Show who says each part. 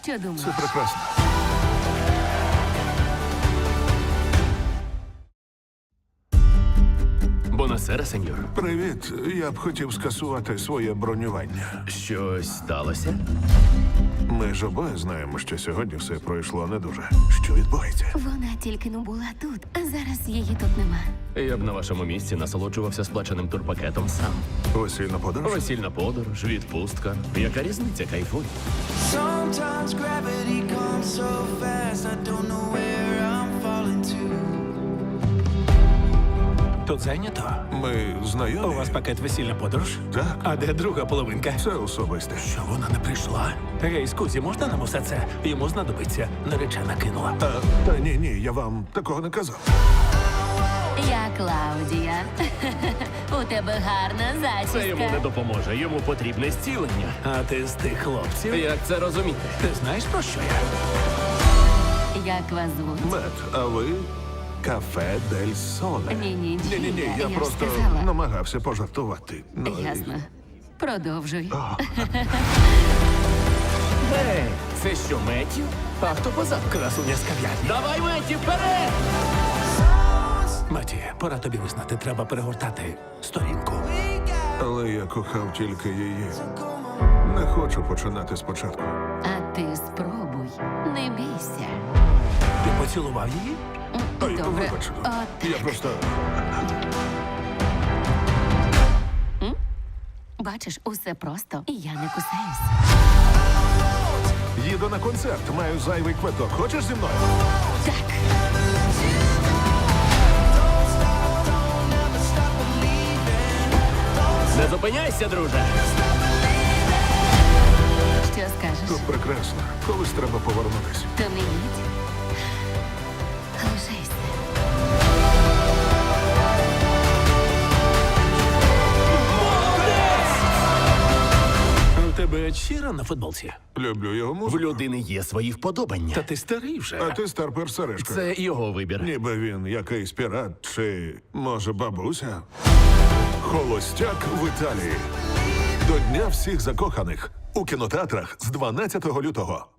Speaker 1: Що думаєш?
Speaker 2: Це прекрасно.
Speaker 3: Бонасера, сеньор.
Speaker 2: Привіт. Я б хотів скасувати своє бронювання.
Speaker 3: Щось сталося?
Speaker 2: Ми ж обоє знаємо, що сьогодні все пройшло не дуже. Що відбувається?
Speaker 1: Вона тільки не була тут, а зараз її тут нема.
Speaker 3: Я б на вашому місці насолоджувався сплаченим турпакетом сам.
Speaker 2: Весільна подорож?
Speaker 3: Весільна подорож, відпустка. Яка різниця, кайфуй.
Speaker 4: Sometimes gravity comes so fast, I don't know where I'm falling to.
Speaker 5: Тут зайнято?
Speaker 2: Ми
Speaker 5: У
Speaker 2: знайомі?
Speaker 5: вас пакет весільна подорож?
Speaker 2: Так.
Speaker 5: А де друга половинка?
Speaker 2: Це особисте.
Speaker 5: Що вона не прийшла? Гей, скузі, можна нам усе це? Йому знадобиться. Наречена кинула.
Speaker 2: Та ні, я вам такого не казав.
Speaker 1: Я Клаудія. У тебе гарна зачіска.
Speaker 3: Це йому не допоможе, йому потрібне зцілення.
Speaker 5: А ти з тих хлопців?
Speaker 3: Як це розуміти?
Speaker 5: Ти знаєш про що я?
Speaker 1: Як вас звуть?
Speaker 2: Мет, а ви? Кафе Дель Соле.
Speaker 1: Ні-ні,
Speaker 2: Ні, я
Speaker 1: ж
Speaker 2: просто
Speaker 1: сказала.
Speaker 2: намагався пожартувати. Ну, і-
Speaker 1: Ясно. Продовжуй.
Speaker 3: Гей, це що, Меттю? А хто позаду?
Speaker 5: Красуня з кав'ярні.
Speaker 3: Давай, Меттю, вперед!
Speaker 5: Маті, пора тобі визнати, треба перегортати сторінку.
Speaker 2: Але я кохав тільки її. Не хочу починати спочатку.
Speaker 1: А ти спробуй. Не бійся.
Speaker 5: Ти поцілував її?
Speaker 2: Ой,
Speaker 1: Добре.
Speaker 2: вибач.
Speaker 1: От,
Speaker 2: Я просто...
Speaker 1: бачиш, усе просто, і я не кусаюсь.
Speaker 2: Їду на концерт, маю зайвий квиток. Хочеш зі мною?
Speaker 1: Так.
Speaker 3: Не зупиняйся, друже!
Speaker 1: Що скажеш?
Speaker 2: Тут прекрасно. Колись треба повернутися.
Speaker 1: То не їдь. Лишайся.
Speaker 5: У тебе Чіра на футболці?
Speaker 2: Люблю його
Speaker 3: В
Speaker 2: музику.
Speaker 3: людини є свої вподобання.
Speaker 5: Та ти старий вже.
Speaker 2: А ти старпер Сережка.
Speaker 3: Це його вибір.
Speaker 2: Ніби він якийсь пірат чи, може, бабуся? Холостяк в Італії. До Дня всіх закоханих. У кінотеатрах з 12 лютого.